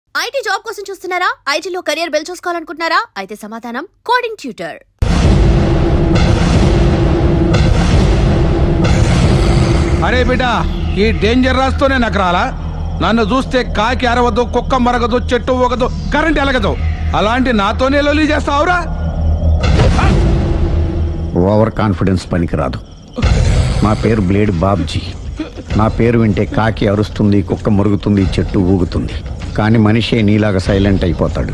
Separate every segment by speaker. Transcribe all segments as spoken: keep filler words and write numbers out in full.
Speaker 1: IT job కోసం చూస్తున్నారా? ఐటీలో కెరియర్ బిల్డ్ చూసుకోవాలనుకుంటున్నారా? అయితే సమాధానం కోడింగ్ ట్యూటర్.
Speaker 2: అరే బిడ్డ, ఈ డేంజర్ రాస్తూనే నాకు రాలా. నన్ను చూస్తే కాకి అరవదు, కుక్క మరగదు, చెట్టు ఊగదు, కరెంట్ ఎలగదు. అలాంటి నాతోనే లొల్లి చేస్తావురా?
Speaker 3: ఓవర్ కాన్ఫిడెన్స్ పనికిరాదు. నా పేరు బ్లేడ్ బాబ్జీ. నా పేరు వింటే కాకి అరుస్తుంది, కుక్క మురుగుతుంది, చెట్టు ఊగుతుంది. కానీ మనిషే నీలాగా సైలెంట్ అయిపోతాడు.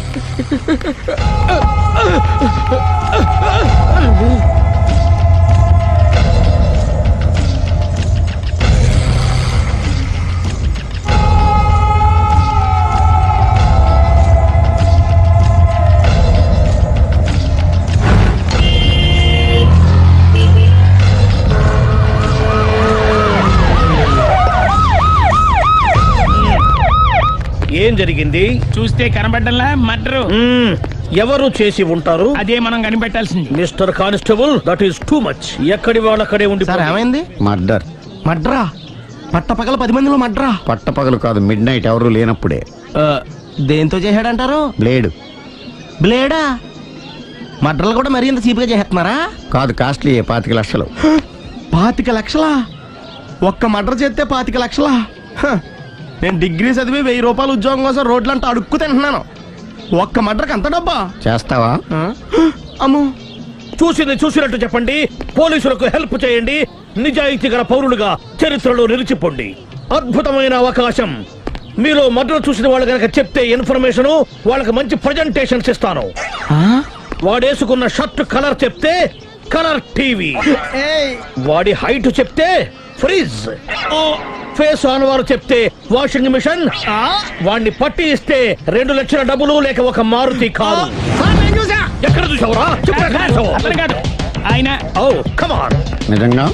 Speaker 4: ఏం జరిగింది?
Speaker 5: చూస్తే కనబడ్డంలా మర్డరు.
Speaker 4: ఎవరు చేసి ఉంటారు?
Speaker 5: అదే మనం కనిపెట్టాల్సింది.
Speaker 4: Mister constable, that is too much. ఎక్కడి వాళ్ళక్కడే ఉండి.
Speaker 6: సార్ ఏమైంది?
Speaker 3: మర్డర్.
Speaker 6: మడ్రా? పట్టపగల పది మందిలో మడ్రా?
Speaker 3: పట్టపగలు కాదు, మిడ్ నైట్ ఎవరు లేనప్పుడే.
Speaker 6: దేంతో చేశాడంటారు?
Speaker 3: బ్లేడ్.
Speaker 6: బ్లేడా? మడ్రలు కూడా మరీ ఇంత చీప్గా చేస్తున్నారా?
Speaker 3: కాదు, కాస్ట్లీ. పాతిక లక్షలు.
Speaker 6: పాతిక లక్షలా? ఒక్క మడ్ర చేస్తే పాతిక లక్షలా? హ, నేను డిగ్రీ చదివి వెయ్యి రూపాయలు ఉద్యోగం కోసం రోడ్లంతా అడుక్కు తింటున్నాను. ఒక్క మడ్రకు అంత డబ్బా?
Speaker 3: చేస్తావా?
Speaker 6: అమ్మో.
Speaker 4: చూసింది చూసినట్టు చెప్పండి. పోలీసులకు హెల్ప్ చేయండి. నిజాయితీ గల పౌరులుగా చరిత్రలో నిలిచిపోండి. అద్భుతమైన అవకాశం. మీలో మర్డర్ చూసిన వాళ్ళు కనుక చెప్తే ఇన్ఫర్మేషన్, వాళ్ళకి మంచి ప్రజెంటేషన్స్ ఇస్తాను. వాడేసుకున్న షర్ట్ కలర్ చెప్తే కలర్ టీవీ, వాడి హైట్ చెప్తే ఫ్రిజ్, ఫేస్ ఆన్ వారు చెప్తే వాషింగ్ మిషన్, వాడిని పట్టి ఇస్తే రెండు లక్షల డబ్బులు లేక ఒక మారుతి కారు. ఎక్కడ చూసావురా?
Speaker 5: కాదు ఆయన.
Speaker 4: Oh come on.
Speaker 3: నిజంగా?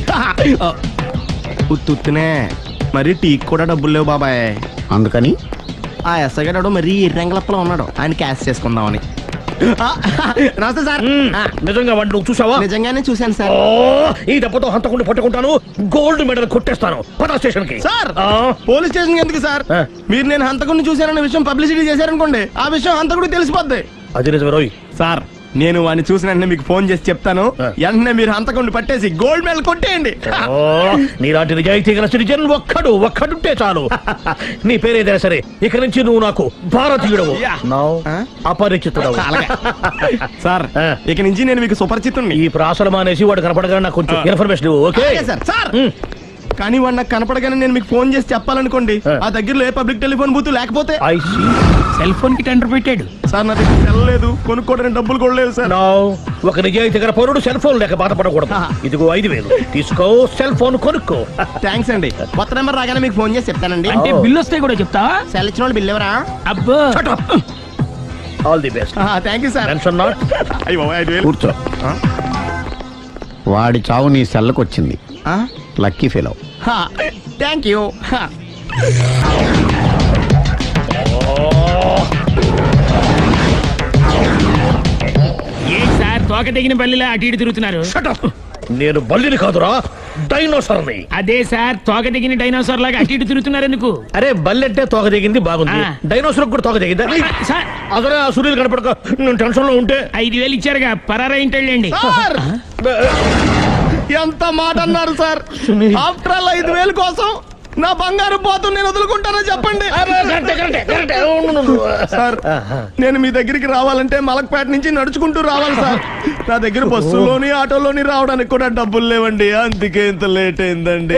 Speaker 6: ఉత్తునే మరి టీకి కూడా డబ్బులు లేవు బాబాయ్.
Speaker 3: అందుకని
Speaker 6: ఆ ఎస్ఐ గారు మరీ ఎర్రంగలప్పలో ఉన్నాడు, ఆయన క్యాష్ చేసుకుందామని. నమస్తే సార్.
Speaker 4: నిజంగా వాడిని నువ్వు చూసావా?
Speaker 6: నిజంగానే చూశాను సార్.
Speaker 4: ఈ దెబ్బతో హంతకుండా పట్టుకుంటాను, గోల్డ్ మెడల్ కొట్టేస్తాను. పద స్టేషన్ కి.
Speaker 6: సార్, పోలీస్ స్టేషన్ ఎందుకు సార్? మీరు నేను హంతకుడిని చూశానన్న విషయం పబ్లిసిటీ చేశారనుకోండి, ఆ విషయం హంతకుడికి తెలిసిపోద్ది.
Speaker 4: అది నిజమే రోయ్.
Speaker 6: సార్, నేను వాడిని చూసిన వెంటనే మీకు ఫోన్ చేసి చెప్తాను. వెంటనే మీరు హంతకుడిని పట్టేసి గోల్డ్ మెడల్ కొట్టేయండి.
Speaker 4: నీలాంటి నిజాయితీ గల సిటిజన్ ఒక్కడు ఒక్కడుంటే చాలు. నీ పేరేదైనా సరే, ఇక నుంచి నువ్వు నాకు భారతీయుడవు, అపరిచితుడవు.
Speaker 6: సార్, ఇక నుంచి నేను మీకు సుపరిచితుణ్ణి.
Speaker 4: ఈ ప్రాసలు మానేసి వాడు కనపడగానే నాకు కొంచెం ఇన్ఫర్మేషన్ ఇవ్వు. Okay
Speaker 6: sir. సార్, కానీ వాడు నాకు కనపడగానే నేను మీకు ఫోన్ చేసి చెప్పాలనుకోండి, ఆ దగ్గరలో ఏ పబ్లిక్ టెలిఫోన్ బూత్ లేకపోతే.
Speaker 5: సెల్ ఫోన్ కి టెండర్ పెట్టాడు.
Speaker 6: సార్, నా దగ్గర వెళ్ళలేదు, కొనుక్కోవడానికి డబ్బులు కూడా లేవు సార్.
Speaker 4: ఒక నిజాయితీ గల పౌరుడు సెల్ ఫోన్ లేక బాధపడకూడదు. ఇదిగో ఐదు వేలు తీసుకో, సెల్ ఫోన్ కొనుక్కో.
Speaker 6: థ్యాంక్స్ అండి. కొత్త నెంబర్ రాగానే మీకు ఫోన్ చేసి చెప్తానండి.
Speaker 5: అంటే బిల్ వస్తే కూడా చెప్తావా?
Speaker 6: సెల్ ఇచ్చిన వాళ్ళు బిల్ ఎవరా?
Speaker 5: అబ్బో.
Speaker 4: All the best.
Speaker 6: Thank you sir.
Speaker 4: Tension not.
Speaker 3: కూర్చో. వాడి చావు నీ సెల్లకు వచ్చింది. Lucky fellow.
Speaker 6: Thank you.
Speaker 5: ఏ సార్, తోక తెగిన బల్లిలా అటు ఇటు తిరుగుతున్నారు.
Speaker 4: నేను బల్లిని కాదురా, డైనోసార్ని.
Speaker 5: అదే సార్, తోక తెగిన డైనోసార్ లాగా అటు ఇటు తిరుగుతున్నారు ఎందుకు?
Speaker 4: అరే, బల్లెట్టే తోక దిగింది బాగుంది, డైనోసార్ కూడా తోక దిగిందా?
Speaker 5: సార్,
Speaker 4: అదరే ఆ సూర్యులు కనపడక నేను టెన్షన్ లో ఉంటే.
Speaker 5: ఐదు వేలు ఇచ్చారుగా, పరారా ఇంటండి.
Speaker 6: ఎంత మాట అన్నారు సార్? ఆఫ్టర్ ఆల్ ఐదు వేలు కోసం నా బంగారు పోతు నేను వదులుకుంటానో చెప్పండి. సార్, నేను మీ దగ్గరికి రావాలంటే మలక్పేట నుంచి నడుచుకుంటూ రావాలి సార్. నా దగ్గర బస్సులోని ఆటోలోని రావడానికి కూడా డబ్బులు లేవండి, అందుకే ఇంత లేట్ అయిందండి.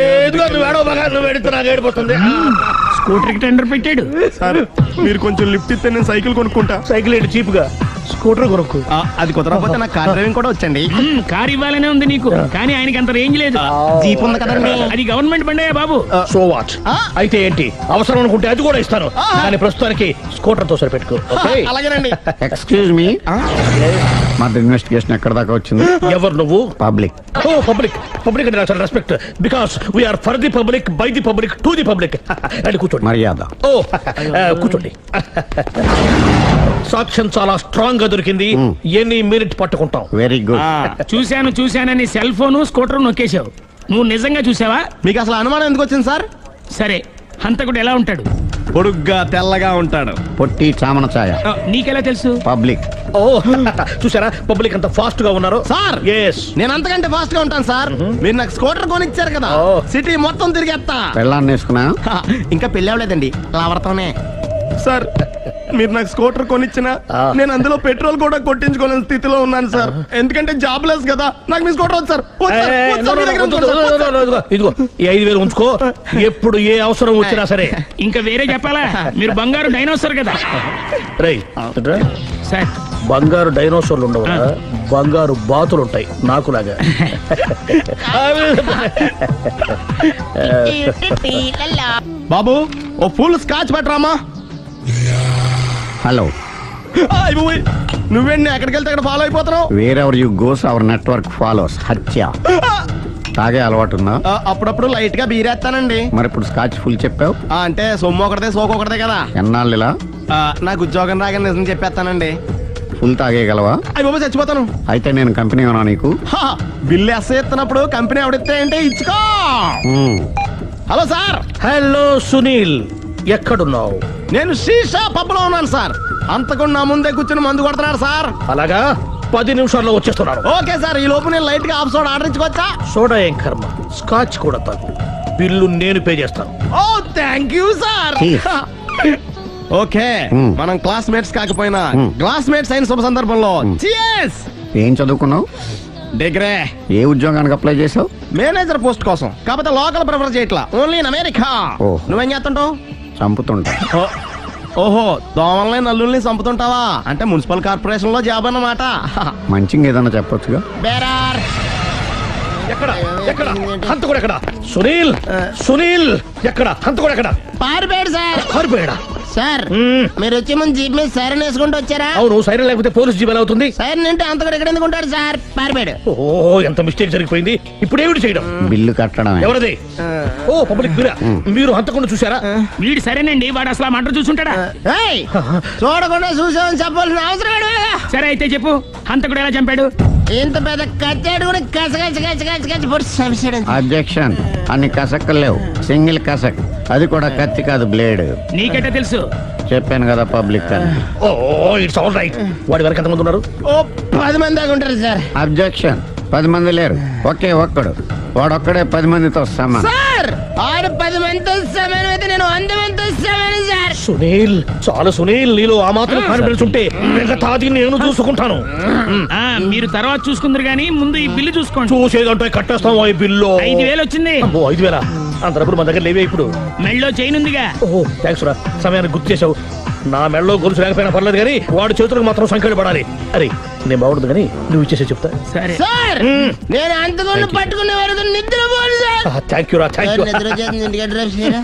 Speaker 5: స్కూటర్ కి టెండర్ పెట్టాడు.
Speaker 6: సార్, మీరు కొంచెం లిఫ్ట్ ఇస్తే నేను సైకిల్ కొనుక్కుంటా.
Speaker 4: సైకిల్ ఏంటి చీప్ గా? స్కూటర్ కొనుక్కు.
Speaker 6: అది కుదరకపోతే నాకు కార్ డ్రైవింగ్ కూడా వచ్చండి.
Speaker 5: కార్ ఇవ్వాలనే ఉంది నీకు, కానీ ఆయనకి అంత రేంజ్ లేదు.
Speaker 6: జీప్ ఉంది కదండి.
Speaker 5: అది గవర్నమెంట్ బండే బాబు.
Speaker 4: So what? అయితే ఏంటి, అవసరం అనుకుంటే అది కూడా ఇస్తాను, కానీ ప్రస్తుతానికి స్కూటర్ తో సరిపెట్టుకో.
Speaker 6: అలాగేనండి.
Speaker 3: ఎక్స్క్యూజ్ మీ, మర్డర్ ఇన్వెస్టిగేషన్ ఎక్కడ దాకా వచ్చింది?
Speaker 4: ఎవరు నువ్వు?
Speaker 3: పబ్లిక్.
Speaker 4: ఓ పబ్లిక్. పబ్లిక్ అంటే నాకు respect, because we are for the public, by the public, to the public. And కూర్చోండి.
Speaker 3: మర్యాద.
Speaker 4: ఓ కూర్చోండి. సాక్ష్యం చాలా స్ట్రాంగ్ గా దొరికింది, ఎన్ని మినిట్ పట్టుకుంటాం.
Speaker 3: Very good.
Speaker 5: చూశాను చూశానని సెల్ ఫోను స్కూటర్ నొక్కేశావు. నువ్వు నిజంగా చూసావా?
Speaker 6: మీకు అసలు అనుమానం ఎందుకు వచ్చింది సార్?
Speaker 5: సరే, హంతకుడు ఎలా ఉంటాడు?
Speaker 6: పొడుగ్గా తెల్లగా ఉంటాడు.
Speaker 3: పొట్టి చామన ఛాయ.
Speaker 5: నీకెలా తెలుసు?
Speaker 3: పబ్లిక్.
Speaker 4: ఓ చూసారా పబ్లిక్ అంత ఫాస్ట్ గా ఉన్నారు.
Speaker 6: సార్
Speaker 4: ఎస్
Speaker 6: నేను అంతకంటే ఫాస్ట్ గా ఉంటాను సార్. మీరు నాకు స్కూటర్ కొనిచ్చారు కదా,
Speaker 4: ఓ.
Speaker 6: సిటీ మొత్తం తిరిగేస్తా.
Speaker 3: పెళ్ళాన్ని వేసుకున్నా.
Speaker 6: హా, ఇంకా పెళ్ళి అవ్వలేదండి, లావడతానే. సార్ మీరు నాకు స్కూటర్ కొనిచ్చిన
Speaker 4: ఆ.
Speaker 6: నేను అందులో పెట్రోల్ కూడా కొట్టించుకోలేని స్థితిలో ఉన్నాను సార్. ఎందుకంటే జాబ్ లెస్ కదా, నాకు మీ స్కూటర్ వద్దు సార్. వద్దు సార్,
Speaker 4: ఏ,
Speaker 6: వద్దు
Speaker 4: నో,
Speaker 6: సార్, మీ
Speaker 4: నో,
Speaker 6: దగ్గర
Speaker 4: వద్దు,
Speaker 6: ఉంచుకోండి సార్,
Speaker 4: వద్దు, వద్దు, వద్దు, ఇదిగో ఈ ఐదు వేలు ఉంచుకో. ఎప్పుడు ఏ అవసరం వచ్చినా సరే.
Speaker 5: ఇంకా వేరే చెప్పాలా? మీరు బంగారు డైనోసార్ కదా
Speaker 4: రై
Speaker 5: సార్.
Speaker 4: బంగారు డైనోసార్లు ఉండవు, బంగారు బాతులు ఉంటాయి నాకులాగా.
Speaker 6: బాబు ఓ ఫుల్ స్కాచ్ పెట్టరామా.
Speaker 3: హలో.
Speaker 6: నువ్వేండి ఎక్కడికి వెళ్తే అక్కడ ఫాలో అయిపోతున్నావు.
Speaker 3: Wherever you goes our network follows. హత్య. తాగే అలవాటు ఉందా?
Speaker 6: ఆ, అప్పుడప్పుడు లైట్ గా బీరేస్తానండి.
Speaker 3: మరి ఇప్పుడు స్కాచ్ ఫుల్ చెప్పావు.
Speaker 6: ఆ, అంటే సొమ్ము ఒకటిదే సోకు ఒకటిదే కదా.
Speaker 3: ఎన్నాళ్ళు ఇలా?
Speaker 6: ఆ, నాకు ఉద్యోగం రాగానే నిజం చెప్పేస్తానండి.
Speaker 3: ఫుల్ తాగేయగలవా?
Speaker 6: అయ్యి బాబు చచ్చిపోతాను.
Speaker 3: అయితే నేను కంపెనీ ఉన్నా నీకు.
Speaker 6: హా, బిల్లు ఎస్ ఎత్తినప్పుడు కంపెనీ ఎవడిస్తే అంటే ఇచ్చుకో.
Speaker 3: మ్మ్.
Speaker 6: హలో సార్,
Speaker 4: హలో సునీల్, ఎక్కడున్నావు?
Speaker 6: నేను శీషా పబ్ లో ఉన్నాను సార్. అంతకుండా నా ముందే కూర్చుని మందు కొడుతున్నాడు సార్.
Speaker 4: అలాగా, పది నిమిషాల్లో వచ్చేస్తున్నాను.
Speaker 6: ఓకే సార్, ఈ లోపు నేను లైట్ గా ఆఫ్ సోడా ఆర్డర్ ఇచ్చుకోవచ్చా?
Speaker 4: సోడా ఏం కర్మ, స్కాచ్ కూడా తాగు. బిల్లు నేను పే చేస్తాను.
Speaker 6: Oh thank you sir.
Speaker 3: Cheers.
Speaker 6: Okay
Speaker 3: Hmm.
Speaker 6: మనం క్లాస్మేట్స్ కాకపోయినా
Speaker 3: Hmm.
Speaker 6: క్లాస్మేట్స్ అయిన శుభ సందర్భంలో Cheers.
Speaker 3: ఏం చదువుకున్నావు?
Speaker 6: డిగ్రీ
Speaker 3: ఏ ఉద్యోగానికి అప్లై చేసావు?
Speaker 6: మేనేజర్ పోస్ట్ కోసం, కాకపోతే లోకల్ ప్రిఫర్ చేయట్లా, ఓన్లీ ఇన్ అమెరికా.
Speaker 3: Oh.
Speaker 6: నువ్వేం చేస్తుంటావు?
Speaker 3: చంపుతుంటా.
Speaker 6: ఓ, ఓహో దోమల్ని నల్లుల్ని చంపుతుంటావా? అంటే మున్సిపల్ కార్పొరేషన్ లో జాబ్ అన్నమాట.
Speaker 3: మంచిగా ఏదన్నా చెప్పొచ్చుగా.
Speaker 6: బేరార్.
Speaker 4: ఎక్కడ ఎక్కడ హంతకుడు ఎక్కడ? సునీల్, సునీల్ ఎక్కడ హంతకుడు ఎక్కడ?
Speaker 6: పారిపోయాడు సార్.
Speaker 4: కారిపోయాడా?
Speaker 6: సార్
Speaker 4: మ్మ్.
Speaker 6: మీరు వచ్చే ముందు జీప్ మీద సైరన్ వేసుకుంటూ వచ్చారా?
Speaker 4: అవును, సైరన్ లేకపోతే పోలీస్ జీవన్ అవుతుంది.
Speaker 6: సైరన్ అంటే అంతకుడు ఎక్కడ ఎందుకు ఉంటాడు సార్? పారిపోయాడు.
Speaker 4: ఓ ఎంత మిస్టేక్ జరిగిపోయింది. ఇప్పుడు ఏమిటి చేయడం?
Speaker 3: బిల్లు కట్టడమే.
Speaker 4: ఎవరది? ఓ పబ్లిక్ మీరా? మీరు హంతకుండా చూసారా?
Speaker 5: వీడు సరేనండి, వాడు అసలు ఆ మంట చూసుంటాడా?
Speaker 6: ఏయ్, చూడకుండా చూసామని చెప్పాల్సిన అవసరం ఏంటి?
Speaker 5: సరే అయితే చెప్పు, హంతకుడు ఎలా చంపాడు?
Speaker 6: ఇంత పెద్ద కచ్చాడు కూడా కచ్చ కచ్చ కచ్చ కచ్చ కచ్చ పొడి చంపేశాడు.
Speaker 3: అబ్జెక్షన్. అన్ని కసక్కలు లేవు, సింగిల్ కసక్. అది కూడా కత్తి కాదు, బ్లేడ్.
Speaker 5: నీకెట్టా తెలుసు?
Speaker 3: చెప్పాను కదా పబ్లిక్ అని.
Speaker 4: Oh it's all right. వాడి వరకు ఎంతమంది ఉన్నారు?
Speaker 6: ఓ పది మంది దాకా ఉంటారు సార్.
Speaker 3: అబ్జెక్షన్. పది మంది లేరు, ఒకే ఒక్కడు. వాడొక్కడే పది మందితో సమానం.
Speaker 6: సార్ ఆడు పది మందితో సమానం అయితే నేను వంద మందితో సమానం సార్.
Speaker 4: సునీల్, చాలు సునీల్, నీలో ఆ మాత్రం కాన్ఫిడెన్స్ ఉంటే మిగతాది నేను చూసుకుంటాను.
Speaker 5: ఆ మీరు తర్వాత చూసుకుందరు గానీ ముందు ఈ బిల్లు చూసుకోండి.
Speaker 4: చూసేదంటే కట్టేస్తాం ఈ బిల్లు.
Speaker 5: ఐదు వేలు వచ్చింది.
Speaker 4: అమ్మో, ఐదు వేల అంత డబ్బులు మన దగ్గర లేవే ఇప్పుడు.
Speaker 5: మెళ్ళో చైన్ ఉందిగా.
Speaker 4: ఓహో థ్యాంక్స్ రా, సమయానికి గుర్తు చేసావు. నా మెడలో గొలుసు లేకపోయినా పర్లేదు కానీ వాడి చేతులకు మాత్రం సంఖ్యలు పడాలి. అరే నేను బాగుండదు కానీ నువ్వు ఇచ్చేసే చెప్తా.
Speaker 5: సరే
Speaker 6: సార్ నేను అంతకుండా పట్టుకునే వరకు నిద్రపోను సార్.
Speaker 4: థ్యాంక్ యూ రా, థ్యాంక్ యూ.
Speaker 6: నిద్ర వచ్చేస్తుంది, ఇంటికి డ్రైవ్ చేయరా?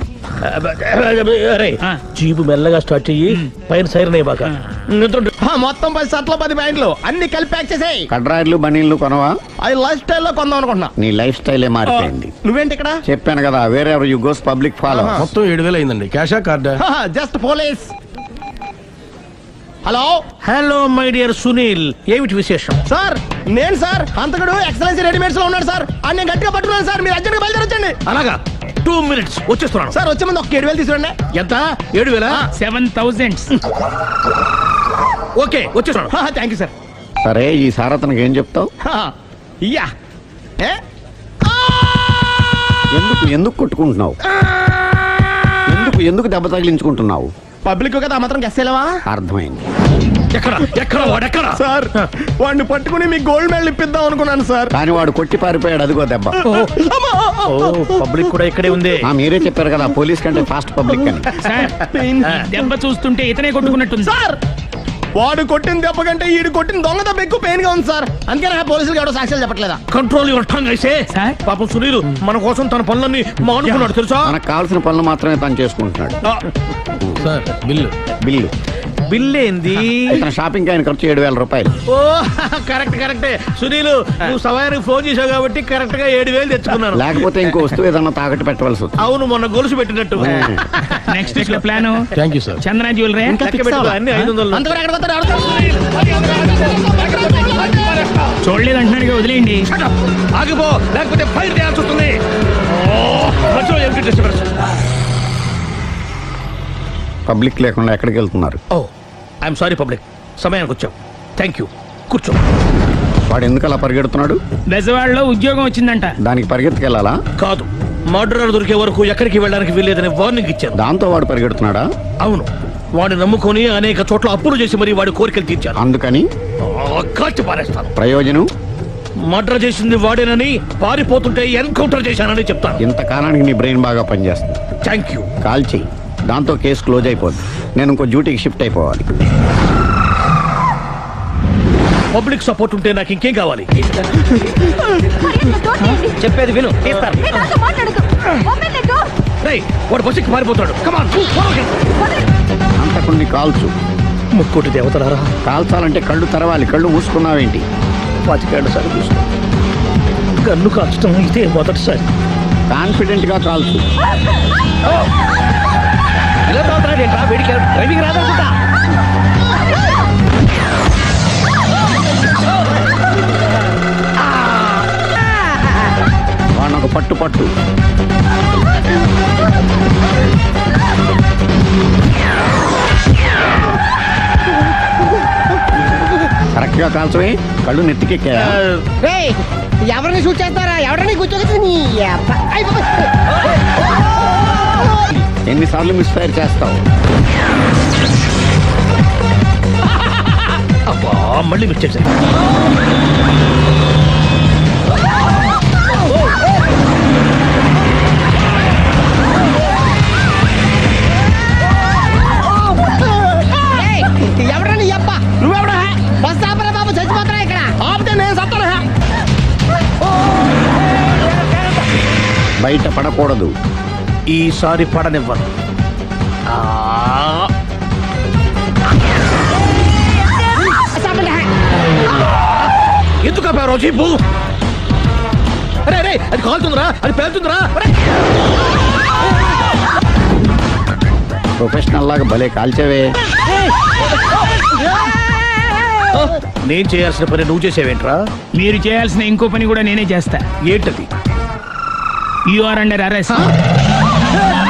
Speaker 4: అరే
Speaker 5: ఆ.
Speaker 4: జీబు మెల్లగా స్టార్ట్ చెయ్యి, పైన సైరన్ అయ్యాక నిద్ర.
Speaker 6: ఆ, మొత్తం పది షర్ట్లు పది ప్యాంట్లు అన్ని కలిపి ప్యాక్ చేసేయ్.
Speaker 3: కడ్రాయిలు బనీళ్లు కొనవా?
Speaker 6: అవి లైఫ్ స్టైల్లో కొందాం అనుకుంటున్నా.
Speaker 3: నీ లైఫ్ స్టైలే మారిపోయింది.
Speaker 6: నువ్వేంటి ఇక్కడ?
Speaker 3: చెప్పాను కదా, వేరే ఎవరు యు గోస్ పబ్లిక్ ఫాలో.
Speaker 2: మొత్తం ఏడు వేలు అయిందండి. క్యాషా కార్డా?
Speaker 6: Just police. Hello
Speaker 4: hello my dear Sunil, ఏమిటి విశేషం?
Speaker 6: సార్ నేను సార్ అంతకుడు ఎక్సలెన్సీ రెడీమేడ్స్ లో ఉన్నాడు సార్. అని నేను గట్టిగా పట్టుకున్నాను సార్. మీరు అర్జెంట్గా బయలుదేరొచ్చండి.
Speaker 4: అలాగా, టూ మినిట్స్ వచ్చేస్తున్నాను.
Speaker 6: సార్ వచ్చే ముందు ఒక ఏడు వేలు తీసుకురండి.
Speaker 4: ఎంత? ఏడు వేల?
Speaker 5: Seven thousand.
Speaker 4: ఓకే వచ్చేస్తున్నాను.
Speaker 6: Thank you sir.
Speaker 3: సరే, ఈ సారతనకి ఏం చెప్తావు?
Speaker 6: ఇయ్యా ఏ?
Speaker 3: ఎందుకు ఎందుకు కొట్టుకుంటున్నావు? ఎందుకు ఎందుకు దెబ్బ తగిలించుకుంటున్నావు?
Speaker 6: పబ్లిక్ కదా ఆ మాత్రం గెస్సేలేవా?
Speaker 3: అర్థమైంది.
Speaker 4: ఎక్కడ ఎక్కడ వాడెక్కడ?
Speaker 6: సార్ వాడిని పట్టుకుని మీకు గోల్డ్ మెడల్ ఇప్పిద్దాం అనుకున్నాను సార్.
Speaker 3: కానీ వాడు కొట్టి పారిపోయాడు, అదిగో దెబ్బ.
Speaker 4: ఓ పబ్లిక్ కూడా ఇక్కడే ఉంది.
Speaker 3: ఆ, మీరే చెప్పారు కదా పోలీస్ కంటే ఫాస్ట్ పబ్లిక్ అని.
Speaker 5: సార్ దెబ్బ చూస్తుంటే ఇతనే కొట్టుకున్నట్టుంది.
Speaker 6: సార్ వాడు కొట్టిన దెబ్బ కంటే ఈడు కొట్టిన దొంగ దెబ్బ ఎక్కువ పెయిన్ గా ఉంది సార్. అందుకే నా పోలీసులు ఎవడో సాక్ష్యాలు చెప్పట్లేదా?
Speaker 4: కంట్రోల్ యువర్ టంగ్ అయితే.
Speaker 5: సార్?
Speaker 4: పాపం సునీల్ మన కోసం తన పనులన్నీ మానుకున్నాడు తెలుసా?
Speaker 3: మనకు కావాల్సిన పనులు మాత్రమే తను చేసుకుంటున్నాడు.
Speaker 2: Sir bill.
Speaker 3: బిల్లు
Speaker 4: బిల్ ఏంది?
Speaker 3: ఇతను షాపింగ్ ఆయన ఖర్చు ఏడు వేల రూపాయలు.
Speaker 4: ఓ కరెక్ట్ కరెక్టే సునీల్, నువ్వు సమయానికి ఫోన్ చేసావు కాబట్టి కరెక్ట్ గా ఏడు వేలు తెచ్చుకున్నాను.
Speaker 3: లేకపోతే ఇంకో వస్తువు ఏదన్నా తాకట్టు పెట్టవలసి వస్తుంది.
Speaker 4: అవును, మొన్న గొలుసు పెట్టినట్టు.
Speaker 5: నెక్స్ట్ వీక్ లో plan
Speaker 2: thank you sir.
Speaker 5: Chandra jewellery.
Speaker 4: లెక్క పెట్టుకో, అన్ని ఐదు వందలు.
Speaker 6: అంతవరకు ఎక్కడ పోతారు? ఎవరు?
Speaker 5: చూడలేదు అంటున్నాడు, వదిలేయండి.
Speaker 4: Shut up! ఆగిపో, లేకపోతే ఫైర్ చేయాల్సి వస్తుంది. ఓ, మధ్యలో ఏమిటి disturbance?
Speaker 3: పబ్లిక్ లేకుండా ఎక్కడికి వెళ్తున్నారు?
Speaker 4: ఓ ఐఎమ్ సారీ పబ్లిక్, సమయానికి వచ్చాం. థ్యాంక్ యూ, కూర్చో.
Speaker 3: వాడు ఎందుకు అలా పరిగెడుతున్నాడు?
Speaker 5: బెజవాడలో ఉద్యోగం వచ్చిందంట.
Speaker 3: దానికి పరిగెత్తుకెళ్ళాలా?
Speaker 4: కాదు, మర్డరర్ దొరికే వరకు ఎక్కడికి వెళ్ళడానికి వీల్లేదని వార్నింగ్ ఇచ్చాను.
Speaker 3: దాంతో వాడు పరిగెడుతున్నాడా?
Speaker 4: అవును, వాడిని నమ్ముకొని అనేక చోట్ల అప్పులు చేసి మరి వాడి కోరికలు తీర్చాను.
Speaker 3: అందుకని
Speaker 4: ఆ, కాల్చి పారేస్తాను.
Speaker 3: ప్రయోజనం?
Speaker 4: మర్డర్ చేసింది వాడేనని, పారిపోతుంటే ఎన్కౌంటర్ చేశానని చెప్తాను.
Speaker 3: ఇంతకాలానికి నీ బ్రెయిన్ బాగా పనిచేస్తుంది.
Speaker 4: Thank you.
Speaker 3: కాల్ చెయ్యి, దాంతో కేసు క్లోజ్ అయిపోద్ది. నేను ఇంకో డ్యూటీకి షిఫ్ట్ అయిపోవాలి.
Speaker 4: పబ్లిక్ సపోర్ట్ ఉంటే నాకు ఇంకేం కావాలి?
Speaker 7: చెప్పేది విను, తీస్తారు.
Speaker 4: రేయ్, వాడు బస్సుకి పారిపోతాడు. కమాన్,
Speaker 3: అంతకుని కాల్చు.
Speaker 4: ముక్కోటి దేవతలారా,
Speaker 3: కాల్చాలంటే కళ్ళు తెరవాలి. కళ్ళు మూసుకున్నావేంటి?
Speaker 4: పాతికేళ్ల సారి చూసుకో. గన్ను కాల్చడం ఇదే మొదటిసారి.
Speaker 3: కాన్ఫిడెంట్ గా కాల్చు.
Speaker 7: ఇలా తోలుతున్నాడు ఏంట్రా? వీడికి డ్రైవింగ్ రాదనుకుంటా.
Speaker 3: వాడిని ఒక పట్టు పట్టు. కరెక్ట్ గా కాల్చవే. కళ్ళు నెత్తికెక్కా?
Speaker 7: ఎవరిని షూట్ చేస్తారా? ఎవరిని కూర్చోగచ్చు.
Speaker 3: ఎన్నిసార్లు మిస్ ఫైర్ చేస్తావు?
Speaker 4: అబ్బా, మళ్ళీ మిస్ చేశాను.
Speaker 7: ఎవరని అప్ప? నువ్వెవడా? బస్ ఆపరా బాబు, చచ్చిపోతారా ఇక్కడ. ఆపితే నేను సత్తానా?
Speaker 3: బయట పడకూడదు.
Speaker 4: ఈసారి పడనివ్వను. ఆ, ఎందుకు ఆపావు జీపు? అరే అరే, అది కాలుతుందిరా, అది పేలుతుందిరా.
Speaker 3: ప్రొఫెషనల్ లాగా భలే కాల్చేవే.
Speaker 4: నేను చేయాల్సిన పని నువ్వు చేసేవేంట్రా?
Speaker 5: మీరు చేయాల్సిన ఇంకో పని కూడా నేనే చేస్తా.
Speaker 4: ఏంటది?
Speaker 5: You are under arrest.